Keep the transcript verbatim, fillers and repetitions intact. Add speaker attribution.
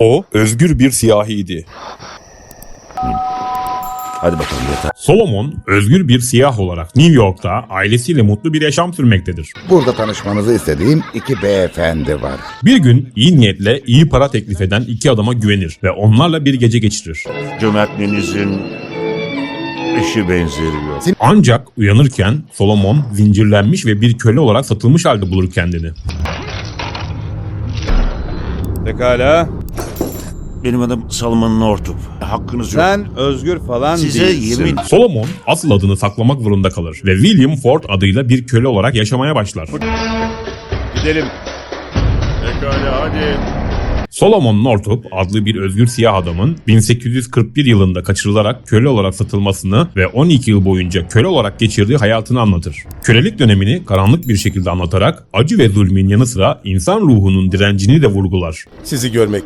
Speaker 1: O özgür bir siyahiydi.
Speaker 2: Hadi bakalım yatağa.
Speaker 3: Solomon, özgür bir siyah olarak New York'ta ailesiyle mutlu bir yaşam sürmektedir.
Speaker 4: Burada tanışmanızı istediğim iki beyefendi var.
Speaker 3: Bir gün iyi niyetle iyi para teklif eden iki adama güvenir ve onlarla bir gece geçirir.
Speaker 2: Cömertliğinizin eşi benzeri yok.
Speaker 3: Ancak uyanırken Solomon zincirlenmiş ve bir köle olarak satılmış halde bulur kendini.
Speaker 1: Pekala.
Speaker 2: Benim adım Salman Northup. Hakkınız yok.
Speaker 1: Sen özgür falan
Speaker 2: Size
Speaker 1: değilsin.
Speaker 2: yemin...
Speaker 3: Solomon asıl adını saklamak zorunda kalır ve William Ford adıyla bir köle olarak yaşamaya başlar.
Speaker 1: Gidelim.
Speaker 2: Pekala hadi.
Speaker 3: Solomon Northup adlı bir özgür siyah adamın bin sekiz yüz kırk bir yılında kaçırılarak köle olarak satılmasını ve on iki yıl boyunca köle olarak geçirdiği hayatını anlatır. Kölelik dönemini karanlık bir şekilde anlatarak acı ve zulmün yanı sıra insan ruhunun direncini de vurgular.
Speaker 5: Sizi görmek